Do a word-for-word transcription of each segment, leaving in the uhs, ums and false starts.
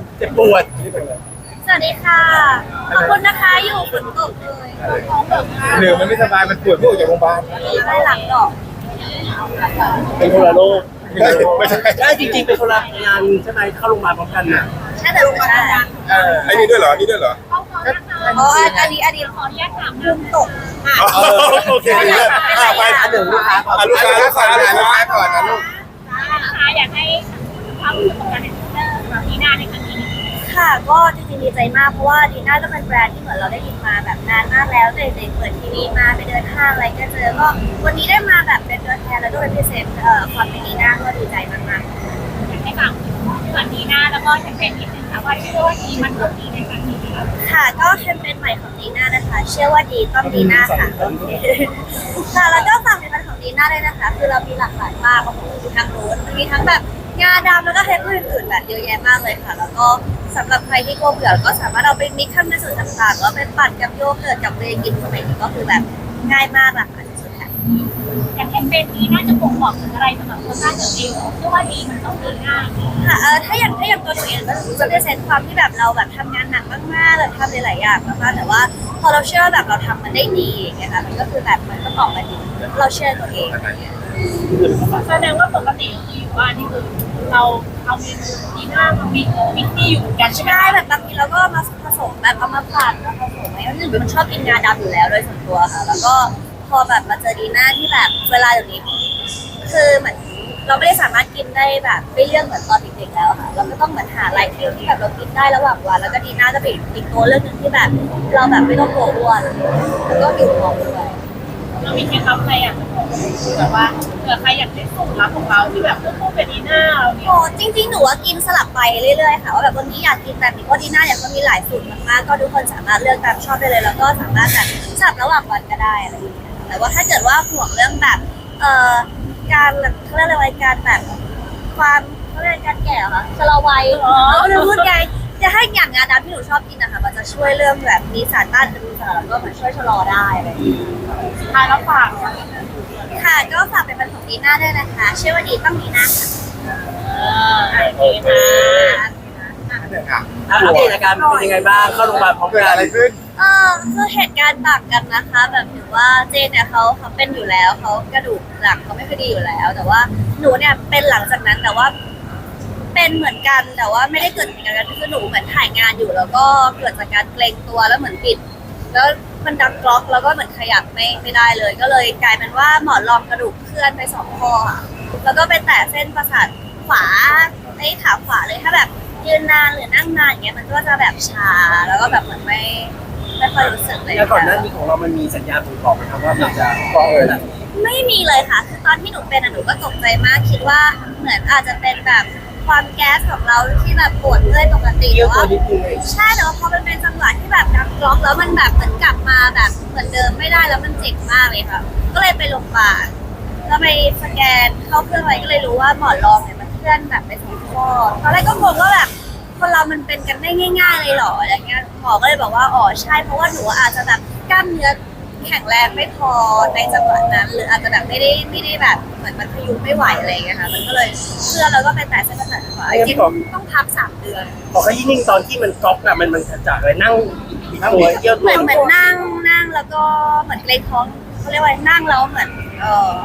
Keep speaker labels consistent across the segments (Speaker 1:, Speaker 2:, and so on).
Speaker 1: เจ็บปวด
Speaker 2: สวัสดีค่ะขอบคุณนะคะอยู่ฝนตกเลยท้องเบิก
Speaker 3: เหนื่อยมันไม่สบายมันปวดที่ออกจากโรงพยาบาล
Speaker 2: ได้หลังดอก
Speaker 1: เป็นคนละโลก
Speaker 3: ไม่ใช่
Speaker 1: ได้จริงๆเป็นคนละงานใช่ไหมเข้าโรงพยาบาลพร้อมกันน่ะ
Speaker 2: ใช่แต่ลงมาได้
Speaker 3: ไอ้นี่ด้วยเหรอนี่ด้วยเหรอ
Speaker 2: อ๋ออันนี้อันนี้ขออนุญาตถามมุมตกอ่ะ
Speaker 3: โอเค
Speaker 2: เป็นไร
Speaker 1: ไป
Speaker 2: อ่ะ
Speaker 1: อันหนึ่งลูกค้าก่อน
Speaker 3: อ่ะลูกค้าลูกค้าลูกค้าก่อนนะลูก
Speaker 4: นะคะอยากให้ความรู้สึกของการเป็นพรีเซนเตอร์แบบนีน่าในครั้งนี้
Speaker 2: ค่ะก็จริงๆดีใจมากเพราะว่าดีน่าก็เป็นแบรนด์ที่เหมือนเราได้ยินมาแบบนานมากแล้วแต่เด็กเปิดทีวีมาไปเดินห้างอะไรก็เจอก็วันนี้ได้มาแบบเป็นตัวแทนแล้วก็เป็นพรีเซนต์เอ่อความเป็นดีน่าก็ดีใจมากๆ
Speaker 4: อยากให้ฟังส่วนนีน่าแล้วก็แคมเปญนิดนึงค่ะว่าชื่อว่าดีมันก็ดีในครั้งนี้ค่ะ
Speaker 2: ค่ะก็แคมเปญใหม่ของดีน่านะคะ เชื่อว่าดีต้องดีน่าค่ะโอเคค่ะแล้วก็ฝากผลิตภัณฑ์ของดีน่าด้วยนะคะ คือเรามีหลากหลายมากของมีทั้งรูทมีทั้งแบบงาดำแล้วก็เทปอื่นๆแบบเยอะแยะมากเลยค่ะ แล้วก็สำหรับใครที่กลัวเบื่อก็สามารถเอาไปมิกซ์ทำในสูตรต่างๆหรือว่าเป็นปั่นกับโยเกิร์ตกับเวย์กินสมัยนี้ก็คือแบบง่ายมากหลากหลายสุดๆค่ะ
Speaker 4: อย่างแคมเปญนี้น่าจะบ่งบอกถึงอะไรสำหรับคนหน้าเกิดเองเชื่อว่าดีมันต้องดีง่าย
Speaker 2: ค่ะเออถ้าอย่างถ้าอย่างตัวหนูเองก็จะได้เซนความที่แบบเราแบบทำงานหนักมากๆแบบทำหลายๆอย่างมากๆแต่ว่าพอเราเชื่อว่าแบบเราทำมันได้ดีอย่างเงี้ยค่ะมันก็คือแบบมันก็ออกมาดีเราเชื่อตัวเองอะไรเงี้ย
Speaker 4: แสดงว่าปกติที่อยู่บ้านนี่คือเราเอาเมนูนีน่ามามีมิกที่อยู่กันใช่ไหม
Speaker 2: ใช่แบบบางทีเราก็มาผสมแบบเอามาผัดมาผสมอะไรหนึ่งมันชอบกินงาดำอยู่แล้วโดยส่วนตัวค่ะ แล้วก็พอแบบมาเจอดีน่าที่แบบเวลาอย่างนี้คือเหมือนเราไม่ได้สามารถกินได้แบบไม่เลือกเหมือนตอนเด็กๆแล้วค่ะเราก็ต้องเหมือนหาไลฟ์คิวที่แบบเรากินได้ระหว่างวันแล้วก็ดีน่าจะเป็นอีกตัวเรื่องหนึ่งที่แบบเราแบบไม่ต้องกลัวอ้วนแล้วก็อยู่ท้องด้วย
Speaker 4: เรามีเคล็ดลับอะไรอ่ะแบบว่าเผื่อใครอยากได้สูตรลับของเราที่แบบคู่เป็นนีน่าเราเนี่ย
Speaker 2: โอ้จริงๆ หนูว่ากินสลับไปเรื่อยๆ ค่ะว่าแบบวันนี้อยากกินแบบนี้ก็ดีน่าเนี่ยก็มีหลายสูตรมากๆ ก็ทุกคนสามารถเลือกตามชอบได้เลย แล้วก็สามารถแบบสลับระหว่างวันก็ได้อะไรอย่างเงี้ยแต่ว่าถ้าเกิดว่าห่วงเรื่องแบบเอ่อการเขาเรียกอะไรวะการแบบความเขาเรียกการแก่เหรอคะชะลอวัยเขาจะพูดไงจะให้อย่างงาดำที่หนูชอบกินนะคะมันจะช่วยเรื่องแบบมีสารต้านอนุมูลอิสระแล้วก็มันช่วยชะลอได้อะไรอย่างเงี้ย
Speaker 4: สุดท้ายแล้วฝาก
Speaker 2: ค่ะก็ฝากเป็นบันของดีน่าด้วยนะคะเชื่อว่าดีต้องดีน่าค่ะ
Speaker 4: โอเคค่ะ
Speaker 1: อ่ะอัปเดตอาการเป็นยังไงบ้างเข้าโรงพยาบาลพร้อม
Speaker 3: เกิด
Speaker 1: กัน
Speaker 3: อะไรขึ้น
Speaker 2: เออคือเหตุการณ์ต่างกันนะคะ แบบถือว่าเจนเนี่ยเขาเขาเป็นอยู่แล้วเขากระดูกหลังเขาไม่ค่อยดีอยู่แล้ว แต่ว่าหนูเนี่ยเป็นหลังจากนั้นแต่ว่าเป็นเหมือนกันแต่ว่าไม่ได้เกิดจากการคือหนูเหมือนถ่ายงานอยู่ แล้วก็เกิดจากการเกรงตัวแล้วเหมือนปิด แล้วมันดังกรอกแล้วก็เหมือนขยับไม่ไม่ได้เลย ก็เลยกลายเป็นว่าหมอนรองกระดูกเคลื่อนไปสองข้อค่ะแล้วก็ไปแตะเส้นประสาทขวาไอ้ขาขวาเลยถ้าแบบยืนนานหรือนั่งนานอย่างเงี้ยมันก็จะแบบชาแล้วก็แบบเหมือนไม่ไม่ค่อยรู้สึกเลย
Speaker 1: แล้วก่อนหน้านี้ของเรามันมีสัญญาณบ่งบอกไหมครับว่ามันจะฟ้องขนาดนี้
Speaker 2: ไม่มีเลยค่ะคือตอนที่หนูเป็นอะหนูก็ตกใจมากคิดว่าเหมือนอาจจะเป็นแบบความแก๊สของเราที่แบบปวดเมื่อยปกติ
Speaker 1: เย
Speaker 2: แต่
Speaker 1: อะตัว
Speaker 2: ว่า
Speaker 1: นิดนึงเอง
Speaker 2: ใช่แต่ว่าพอมันเป็นจังหวะที่แบบดังกรอกแล้วมันแบบเหมือนกลับมาแบบเหมือนเดิมไม่ได้แล้วมันเจ็บมากเลยค่ะ ก็เลยไปโรงพยาบาลแล้วไปสแกนเข้าเครื่องอะไรก็เลยรู้ว่าหมอนรองเนี่ยมันเคลื่อนแบบไปสองข้อตอนแรกก็งงว่าแบบคนเรามันเป็นกันได้ง่าย ๆ เลยเหรออะไรเงี้ยหมอก็เลยบอกว่าอ๋อใช่เพราะว่าหนูอาจจะแบบกล้ามเนื้อแข็งแรงไม่พอในจังหวะนั้น หรืออาจจะแบบไม่ได้ไม่ได้แบบเหมือนมันพยุงไม่ไหวอะไรเงี้ยค่ะมันก็เลยเคลื่อนแล้วก็ไปแตะเส้นประสาทขวาจริงๆต้องพักสามเดือน
Speaker 1: บอกให้ยิ่งตอนที่มันก๊อกอะมันมันจากอะไรนั่งบิดตัวเยี่ยว
Speaker 2: เห
Speaker 1: ตั
Speaker 2: มื
Speaker 1: ว
Speaker 2: อนเหมือนนั่งนั่งแล้วก็เหมือนเกรงท้องเขาเรียกว่านั่งแล้วเหมือนเออ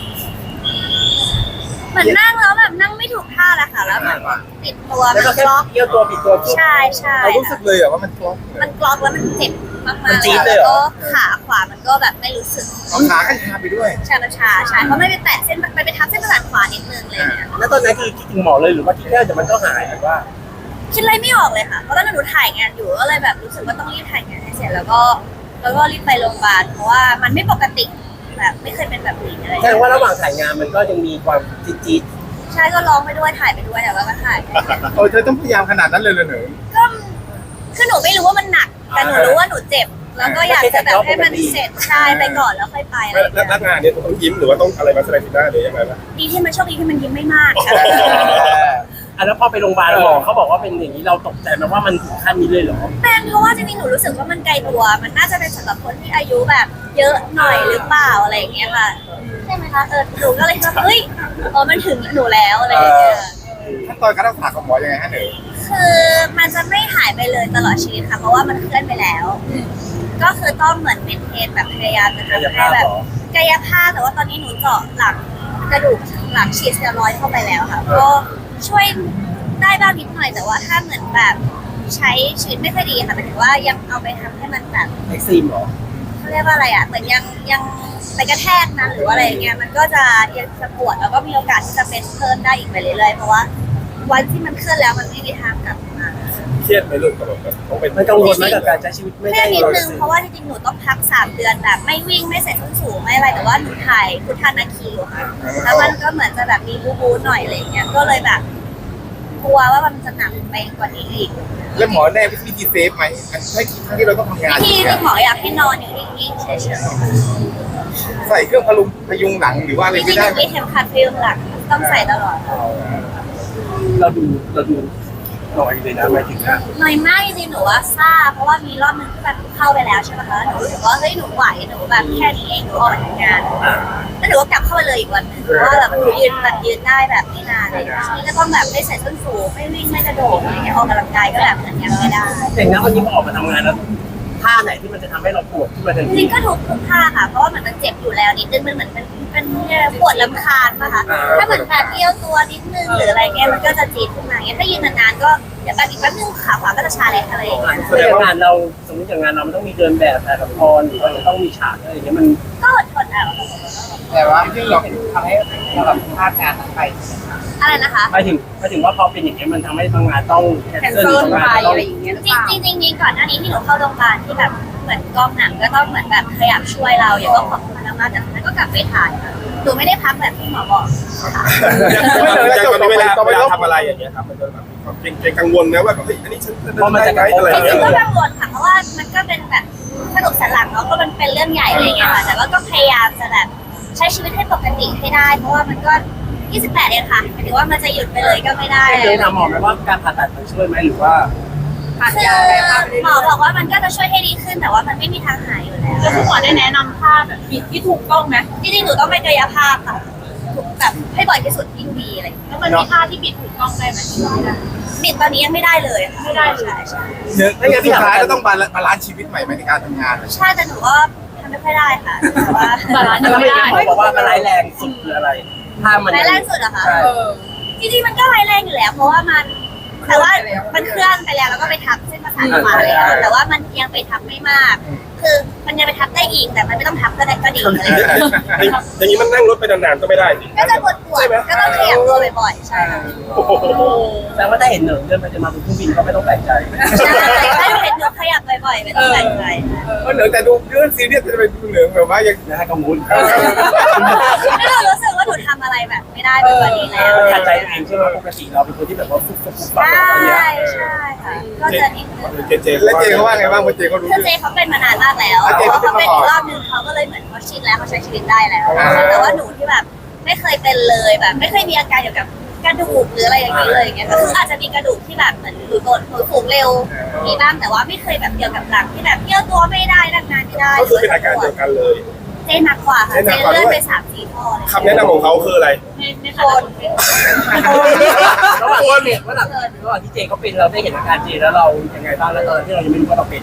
Speaker 2: เหมือนนั่งแล้วแบบนั่งไม่ถูกท่าแหละค่ะแล้วเหมือนติดตัว
Speaker 1: แล้ว
Speaker 2: มั
Speaker 1: ก็
Speaker 2: น
Speaker 1: แค่
Speaker 2: กล็อก
Speaker 1: เยี่ยวตัวบิดตัวปุ๊บ
Speaker 2: ใช่ใช่
Speaker 3: เรารู้สึกเลยเหรอว่ามันกล้อง
Speaker 2: มันกล็อกแล้วมันเจ็บมาก
Speaker 1: มัน
Speaker 2: ๆ
Speaker 1: จี๊ดเล
Speaker 2: แล้
Speaker 1: ยว เหร
Speaker 2: ก็
Speaker 1: อ
Speaker 2: ขาขวามันก็แบบไม่รู้สึก
Speaker 3: เอาขาก็ชาไปด้วย
Speaker 2: ชามันชาใช่เพราะไม่ไปแตะเส้นไปไปทับเส้นประสาทขวานิดนึงเลยเนี่ย
Speaker 1: แล้วตอนนั้นคือคิดถึงหมอเลยหรือว่าคิดแค่เดี๋ยวมันก็หายหรือว่า
Speaker 2: คิดอะไรไม่ออกเลยค่ะ เพราะตอนนั้นหนูถ่ายงานอยู่ก็เลยแบบรู้สึกว่าต้องรีบถ่ายงานให้เสร็จแล้วก็แล้วก็รีบไปโรงพยาบาลเพราะว่ามันไม่ปกติแบบไม่เคยเป็นแบบนี้อะไรอย่าง
Speaker 1: แสด
Speaker 2: เงี้
Speaker 1: ง
Speaker 2: ย
Speaker 1: ว่าระหว่างถ่ายงานมันก็ยังมีความจี๊ด
Speaker 2: ใช่ก็ร้องไปด้วยถ่ายไปด้วยแต่ว่าก็ถ่ายไปด้วย
Speaker 3: โอ้เธอต้องพยายามขนาดนั้นเลยเลยเหรอ
Speaker 2: ก็คือหนูไม่รู้ว่ามันหนัก แต่หนูรู้ว่าหนูเจ็บ แล้วก็อยากจะแบบให้มันเสร็จใช่ไปก่อนแล้วค่อยไปอะไร
Speaker 3: แล้ว
Speaker 2: อย่าง
Speaker 3: แล้ว
Speaker 2: เงี้ย
Speaker 3: งานเนี่ยต้องยิ้มหรือว่าต้องอะไรมาแสดงสีหน้าหรือยังไงล่ะ
Speaker 2: ดีที่มันโชคดีที่มันยิ้มไม่มากค่ะ
Speaker 1: ๆอ่ะแล้วพอไปโรงพยาบาลหมอเขาบอกว่าเป็นอย่างนี้เราตกใจไหมว่ามันถึงขั้นนี้เลยเหรอ
Speaker 2: เป็นเพราะว่าจริงๆหนูรู้สึกว่ามันไกลตัว มันน่าจะเป็นสำหรับคนที่อายุแบบเยอะหน่อยหรือเปล่าอะไรอย่างเงี้ยค่ะใช่ไหมคะเออหนูก็เลยคิดว่าเฮ้ยอ๋อมันถึงหนูแล้วอะไรอย่างเงี้ย
Speaker 3: ขั้นตอนการรักษาของหมอยังไงฮะหนู
Speaker 2: คือมันจะไม่หายไปเลยตลอดชีวิตค่ะเพราะว่ามันเคลื่อนไปแล้ว ก็คือต้องเหมือนเมนเทนแบบพยายามจะทำให้แบบกายภาพแต่ว่าตอนนี้หนูเจาะหลังกระดูกหลังฉีดสเตียรอยด์เข้าไปแล้วค่ะก็ช่วยได้บ้างนิดหน่อยแต่ว่าถ้าเหมือนแบบใช้ชีวิตไม่ค่อยดีค่ะหมายถึงว่ายังเอาไปทำให้มันแบบ
Speaker 1: เอ็กซีมเหรอ
Speaker 2: เขาเรียกว่าอะไรอ่ะเหมือนยังยังไปกระแทกนั้นหรือว่าอะไรอย่างเงี้ยมันก็จะยังจะปวดแล้วก็มีโอกาสที่จะเป็นเพิ่มได้อีกไปเรื่อยๆเพราะว่าวันที่มันเคลื่อนแล้วมันไม่มีทางกลับมา
Speaker 3: เครียดไหมลูกกับแบบต้องเป็น
Speaker 1: มันกังวลไหมกับการใช้ชีวิตไม่
Speaker 2: แค่
Speaker 1: ได้
Speaker 2: นิด
Speaker 1: ร้อยเป
Speaker 2: นึ
Speaker 1: อง ร์เซ็นต์
Speaker 2: เพราะว่าจริงๆหนูต้องพักสามเดือนแบบไม่วิ่งไม่ใส่ส้นสูงไม่อะไรแต่ว่าหนูถ่ายพุทธานาคีอยู่ค่ะแล้วมันก็เหมือนจะแบบมีบูบูหน่อยอะไรอย่างเงี้ยก็เลยแบบกลัวว่ามันจะหนักไปกว่านี้อีก
Speaker 3: แล้วหมอแน่วิธีเซฟไหมใช่ครั้งที่เราต้องทำงาน
Speaker 2: ที่ที่หมออยากให้นอนอยู่นิ่งๆเฉย
Speaker 3: ใส่เครื่องพลุงพยุงหลังหรือว่า
Speaker 2: ๆ
Speaker 3: อะไร
Speaker 2: จริ
Speaker 3: ไม่
Speaker 2: งๆห
Speaker 3: ได้
Speaker 2: นูมีเข็มขัดพยุงหลังต้องใส่ตลอด
Speaker 1: เราดูเราดูหน่อยเลยนะหมายถึงอะ
Speaker 2: หน่อยมากจริงๆหนูว่าทราบเพราะว่ามีรอบนึงที่แบบเข้าไปแล้วใช่ไหมคะหนูรู้สึกว่าเฮ้ยหนูไหวหนูแบบแค่นี้เองหนูออกมาทำงาน
Speaker 1: อ่า
Speaker 2: แล้วหนูก็กลับเข้าไปเลยอีกวันหนึงเพราะว่าแบบหนูยืนแบบยืนได้แบบไม่นานเลยนี่ก็ต้องแบบไม่ใส่ส้นสูงไม่วิ่งไม่กระโดดอะไรเงี้ยออกกำลังกายก็แบบเหมือนยังไม่ได้
Speaker 1: แต่งั้นวันนี้พอออกมาทำงานแล้วท่าไหนที่มันจะทำให้เราปวดขึ้นมาทัน
Speaker 2: จ
Speaker 1: ที
Speaker 2: ริงๆก็ถูกทุกท่าค่ะเพราะว่าเหมือนมันเจ็บอยู่แล้วนิดนึงมันเหมือนเป็นเป็นปวดลำคาญป่ะคะถ้าเหมือนแบบเอี้ยวตัวนิดนึงหรืออะไรเงี้ยมันก็จะจี๊ดขึ้นมาเงี้ยถ้ายืนนานๆก็เดี๋ยวแป๊บอีกแป๊บนึงขาขวาก็จะชาแหละอะไรอย่างเงี้ย
Speaker 1: แสดงว่างานเราสมมติอย่างงานเรามันต้องมีเดินแบบถ่ายละครหรือว่าจะต้องมีฉากอะไรอย่างเงี้ยมัน
Speaker 2: ก็อดทนเอา
Speaker 5: แต่ว่าที่เราทำให้เราแบบพลาดงานนั้นไป
Speaker 2: อะไรนะคะ
Speaker 1: หมายถึงหมายถึงว่าพอเป็นอย่างเงี้ยมันทำให้บางงานต้องแคน
Speaker 5: แคน
Speaker 1: เซิล
Speaker 5: เซิล
Speaker 1: บาง
Speaker 5: ไป
Speaker 1: งานต้อง
Speaker 5: อะไรอย่างเงี้ยหรือ
Speaker 2: จ
Speaker 5: เปล่า
Speaker 2: ริงๆจริงๆก่อนหน้านี้ที่หนูเข้าโรงพยาบาลที่แบบเหมือนกองหนังก็ต้องเหมือนแบบพยายามช่วยเราอย่างก็ขอบคุณมากๆแต่สุดท้ายก็กลับไปถ่ายค่ะหนูไม่ได้พักแบบที่หมอบอกค่ะ
Speaker 3: ไม่เลยแล้วตอนนี้เวลาเวลาทำอะไรอย่างเงี้ยครับมันจะแบบมีความเกรงกังวลนะว่าแบบเฮ้ยอันนี้ฉันจะได้ไหมอะไร
Speaker 2: จ
Speaker 3: อย่าง
Speaker 2: ริ
Speaker 3: เงี้
Speaker 2: ง
Speaker 3: ย
Speaker 2: ๆก็กังวลค่ะเพราะว่ามันก็เป็นแบบกระดูกสันหลังเนาะก็มันเป็นเรื่องใหญ่อะไรอย่างเงี้ยค่ะแต่ว่าก็พยายามจะแบบใช้ชีวิตให้ปกติให้ได้ เพราะว่ามันก็ยี่สิบแปดเองค่ะหมายถึงว่ามันจะหยุดไปเลยก็ไม่ได้
Speaker 1: เคยถามหมอไหมว่าการผ่าตัดมันช่วยไหมหรือว่า
Speaker 5: ผ่าน
Speaker 2: คือย
Speaker 5: าอะไรภาพไป
Speaker 2: หมอบอกว่ามันก็จะช่วยให้ดีขึ้นแต่ว่ามันไม่มีทางหายอยู่แล้ว
Speaker 4: แล้วคุณหมอได้แนะนำท่าแบบบิดที่ถูกต้องไหม
Speaker 2: จริงๆหนูต้องไปกายภาพค่ะแบบให้บ่อยที่สุดยิ่งดีอะไรอย่างเงี้ย
Speaker 4: แล้วมันมีท่าที่บิดถูกต้องได้ไหม
Speaker 2: บิดตอนนี้ยังไม่ได้เลยไม่ได้เลยใช่ใช่
Speaker 3: เนื้อสุดท้ายก็ต้องบาลานซ์ชีวิตใหม่ในการทำงาน
Speaker 2: ใช่แต่หนูก็ทำไม่ค่อยได้ค่ะแต่ว่า
Speaker 1: แล้วไม่ได้หมอบอกว่ามันร้ายแรงสุดคืออะไรถ้ามัน
Speaker 2: ร้ายแรงสุดเหรอคะ
Speaker 1: ใช่
Speaker 5: เออ
Speaker 2: จริงๆมันก็ร้ายแรงอยู่แล้ว เพราะว่ามันแต่ว่ามันเคลื่อนไปแล้วแล้วก็ไปทับเส้นประสาทขวาแล้วแต่ว่ามันยังไปทับไม่มาก คือมันยังไปทับได้อีกแต่มันไม่ต้องทับก็ได้ก็ดีอะไรอย่างเงี้ย
Speaker 3: อย่างนี้มันนั่งรถไปนานๆก็ไม่ได้สิ
Speaker 2: ก็จะปวดปวดก็ต้องขยับตัวบ่อยๆใช่
Speaker 3: โอ้โห
Speaker 1: แปลว่าถ้าเห็นเหนิงเดินไปจะมาบนเครื่องบินก็ไม่ต้องแปลกใจ
Speaker 2: ใช่ถ้าหนูเห็นหนูขยับบ่อยๆไม่ต้องแปลกใจ
Speaker 3: เพราะเหนือแต่ดูเรื่องซีเรียสจะเป็นเหนือแบบว่ายัง
Speaker 1: นะฮะกังวล
Speaker 2: แล้วเรารู้สึกว่าหนูทำอะไรแบบไม่ได้แบบนี้แล้ว
Speaker 1: ขัดใจตัวเองใช่ไหมปกติเราเป็นคนที่แบบว่าฟุบฟุบฟุบ
Speaker 2: ใช่
Speaker 1: อะไรเงี้ย
Speaker 2: ใช่ค่ะก็จะนิดนึง
Speaker 3: เจเจแล้วเจเขาว่าไงบ้างพอเจเขารู้
Speaker 2: คือเจเขาเป็นมานานมากแล้วเพราะเขาเป็นอีกรอบนึงเขาก็เลยเหมือนเขาชินแล้วเขาใช้ชีวิตได้แล้วแต่ว่าหนูที่แบบไม่เคยเป็นเลยแบบ ไม่เคยมีอาการเกี่ยวกับกระดูกหรืออะไรอย่างนี้เลยอย่างเงี้ยก็คืออาจจะมีกระดูกที่แบบเหมือนหนูโดนหนูสูงเร็วมีบ้างแต่ว่าไม่เคยแบบเกี่ยวกับหลังที่แบบเที่ยวตัวไม่ได้นั่งนานไม่ได้
Speaker 3: ก็คือเป็นอาการเดียวกันเลย
Speaker 2: เจหนักกว่าค่ะเจเลื่อนไปสามสี่ข้อเลย
Speaker 3: คำแนะนำของเขาคืออะไร
Speaker 4: ในใน
Speaker 2: โค
Speaker 4: ฐานะ
Speaker 2: น
Speaker 1: ระหว่างที่เจระหว่างระหว่างที่เจเขาเป็นเราได้เห็นอาการเจแล้วเรายังไงบ้างแล้วตอนที่เรายังไม่รู้ว่าเราเป็น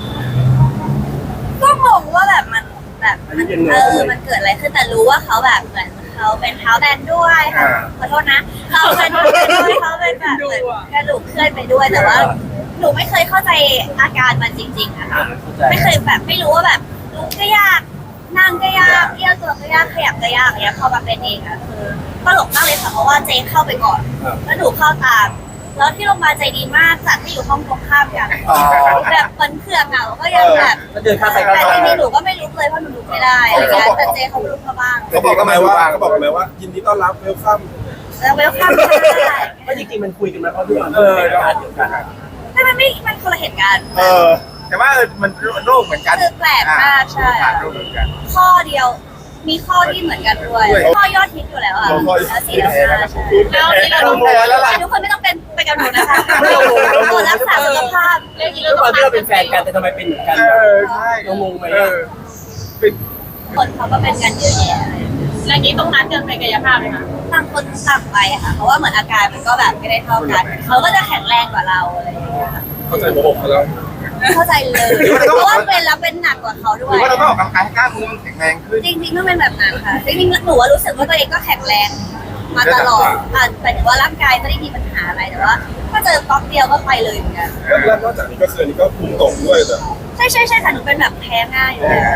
Speaker 2: ก็งงว่าแบบมันแบบมันเออมันเกิดอะไรขึ้นแต่รู้ว่าเขาแบบเหมือนเขาเป็นเท้าแบนด้วยค่ะขอโทษนะเขาเป็นเท้าแบนด้วยเขาเป็นแบบเหมือนกระดูกเคลื่อนไปด้วยแต่ว่าหนูไม่เคยเข้าใจอาการมันจริงๆอะ
Speaker 1: อ่า
Speaker 2: ค่ะ
Speaker 1: เข้าใจ
Speaker 2: ไม่เคยแบบไม่รู้ว่าแบบลุกก็ยากนั่งก็ยากเอี้ยวตัวก็ยากขยับก็ยากอย่างเงี้ยพอมาเป็นเองอะคือตลกมากเลยค่ะเพราะว่าเจเข้าไปก่อนแล้วหนูเข้าตามแล้วที่โรงพยาบาลใจดีมากจัดให้อยู่ห้องตรงข้ามกันแบบบนเครื่องอะก็ยังแบบ
Speaker 1: แล้วเดินข้ามไป
Speaker 2: แต่
Speaker 1: ข้าม
Speaker 2: จ
Speaker 1: มา
Speaker 2: ริงๆหนูก็ไม่ลุกเลยเพราะหนูลุกไม่ได้อะไรเงี้ยแต่เจเขาลุกมาบ้าง
Speaker 3: เขาบอกกันไหมว่าเขาบอกกันไหมว่ายินดีต้อนรับเวลคัม
Speaker 2: แล้วเวลคัมได้
Speaker 1: ก็จริงๆมันคุยกันมาเพราะทุกคนเป็นอาการเดียวกัน
Speaker 2: แต่มันไม่มันคนละเหตุการณ์
Speaker 3: เออแต่ว่ามันโรคเหมือนกัน
Speaker 2: คือแปลกมากใช่
Speaker 3: โรคเหมือนกัน
Speaker 2: ข้อเดียวมีข้อที่เหมือนกันด้วยข้อยอดฮิตอยู่แล้วอะแล้วสี่แล้วห้าใช่
Speaker 4: แล้วนี่เรา
Speaker 3: ต้
Speaker 4: ต้
Speaker 3: อ
Speaker 4: อง ง
Speaker 3: แพ้แล้วล่ะ
Speaker 2: ทุกคนไม่ต้องเป็นไปกับหนูนะคะตรวจรักษาสุขภาพ
Speaker 4: เรื่องนี้
Speaker 1: ด้
Speaker 4: เรา
Speaker 1: วยค
Speaker 4: ต้
Speaker 1: วา
Speaker 4: อ
Speaker 1: ม
Speaker 4: ง
Speaker 1: ที่เราเป็นแฟนกันแต่ทำไมเป็นเหมือนกัน
Speaker 3: เออใช่
Speaker 1: เรางงไหม
Speaker 3: เออเป็น
Speaker 2: คนเขาก็เป็นกันเยอะแยะ
Speaker 4: แล้วนี้ต้องนัดกันไปกายภาพไหมคะ
Speaker 2: ต่างคนต่างไปค่ะเพราะว่าเหมือนอาการมันก็แบบไม่ได้เท่ากันเขาก็จะแข็งแรงกว่าเราอะไรอย่างเงี้ยค่ะ
Speaker 3: เข้าใจโมโหเขาแล้ว
Speaker 2: เข้าใจเลยเพราะว่าเป็นแล้วเป็นหนักกว่าเขาด้
Speaker 5: ห
Speaker 2: ว
Speaker 5: รือย ว่าเราต้องออกกำลังกายให้กล้ามเนื้อมันแข็งแรงขึ้น
Speaker 2: จริงๆต้องเป็นแบบนั้นค่ะจริงๆหนูว่ารู้สึกว่าตัวเองก็แข็งแรงมาตลอดอ่ะหมายถึงว่าร่างกายไม่ได้มีปัญหาอะไรแต่ว่าถ้าเจอก๊อกเดียวก็ไปเลยเหมือนกัน
Speaker 3: แล้วนอกจากนี้ก็คืออันนี้ก็ภูมิตกด้วยแต่
Speaker 2: ใช่ใช่ใช่ค่ะหนูเป็นแบบแพ้ง่ายอยู่แล้ว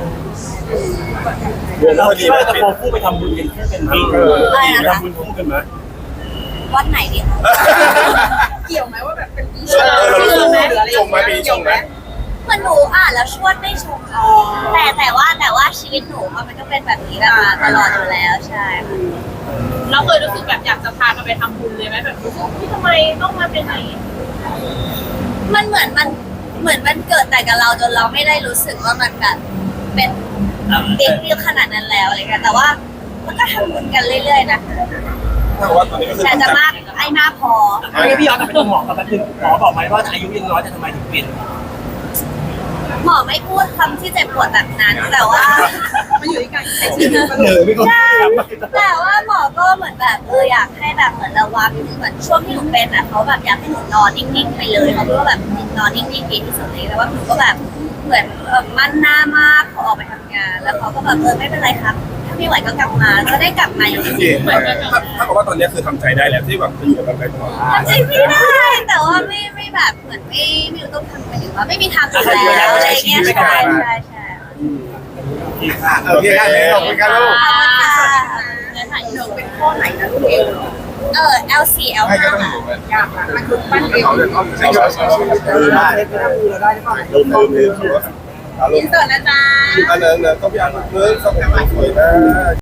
Speaker 3: รวม
Speaker 1: เรา
Speaker 3: พอ
Speaker 1: คิ
Speaker 3: ดี
Speaker 1: ดว่า
Speaker 3: ว่า
Speaker 1: จะโคคู่ไปทำบุญกันคู่กันไหม
Speaker 3: เออ
Speaker 1: ไปทำบุญคู่กันไหม
Speaker 2: วัดไหนดีคะ
Speaker 4: เกี่ยวไหมว่าแบบเป็น
Speaker 3: เออเรารู้สึกชงไหมปีนี้ชงไหม
Speaker 2: เหมือนหนูอ่านแล้วชวดไม่ชงค่ะแต่แต่ว่าแต่ว่าชีวิตหนูอะมันก็เป็นแบบนี้แบบมาตลอดอยู่แล้วใช่ค่ะ
Speaker 4: เราเคยรู้สึกแบบอยากจะพากันไปทำบุญเลยไหมแบบรู้สึกที่ทำไมต้องมาเป็นอย่างนี้
Speaker 2: มันเหมือนมันเหมือนมันเกิดแต่กับเราจนเราไม่ได้รู้สึกว่ามันแบบเป็นเด็กเดียวขนาดนั้นแล้วอะไรเงี้ยแต่ว่ามันก็ทำบุญกันเรื่อยๆนะคะ
Speaker 3: ถ้าว่าตอนนี้ก็คือ
Speaker 2: แต่จะมากไอ้มากพอ
Speaker 1: อันนี้พี่ย้อนกลับไปดูหมอกับแป๊บนึงหมอบอกไหมว่าอายุยังน้อยแต่ทำไมถึงเปลี่ยน
Speaker 2: หมอไม่พูดคำที่เจ็บปวดแบบนั้นแต่ว่า
Speaker 4: มันอยู่ที่การใช้
Speaker 1: เห
Speaker 4: ชีวิต
Speaker 1: นื่อยไม่ก็
Speaker 2: ใช่แต่ว่าหมอก็เหมือนแบบเอออยากให้แบบเหมือนระวังเหมือนช่วงที่หนูเป็นอ่ะเขาแบบอยากให้หนูนอนนิ่งๆไปเลยเขาพูดว่าแบบนอนนิ่งๆดีที่สุดเลยแต่ว่าหนูก็แบบเหมือนเออมั่นหน้ามากขอออกไปทำงาน แล้วเขาก็แบบเออไม่เป็นไรครับถ้าไม่ไหวก็กลับมาก็ได้กลับมาอยู่ดี
Speaker 3: ถ้าถ้าบอกว่าตอนนี้คือทำใจได้แล้วที่แบบจะอยู่กับกันไปตลอด
Speaker 2: ทำจริงไม่ได้แต่ว่าไม่ไม่แบบเหมือนไม่ไม่รู้ต้องทำไปหรือว่าไม่มีทางอยู่แล้วอะไรเงี้ยใช่ใช่ใช่
Speaker 5: โอเคได้เลยขอบคุณครับลูก
Speaker 2: ขอบคุณค่ะ
Speaker 4: แล้วถ่ายหนูเป็นข้อไหนนะลูกเอว
Speaker 2: เออ L สี่ L
Speaker 5: ให้ก็
Speaker 2: ห้า
Speaker 5: ต้องอยู่กัน
Speaker 4: ยากนะมันคือปั้นเอว
Speaker 5: เขาเดินอ้อมใช่ใช่ใช่ใช่
Speaker 3: ลืมลืมลืมลืมอารม
Speaker 4: อิน
Speaker 3: ณ์
Speaker 4: เตอร์นะจ๊ะ
Speaker 3: อันนั้นนะต้องพี่อันเนื้อสองสวยนะ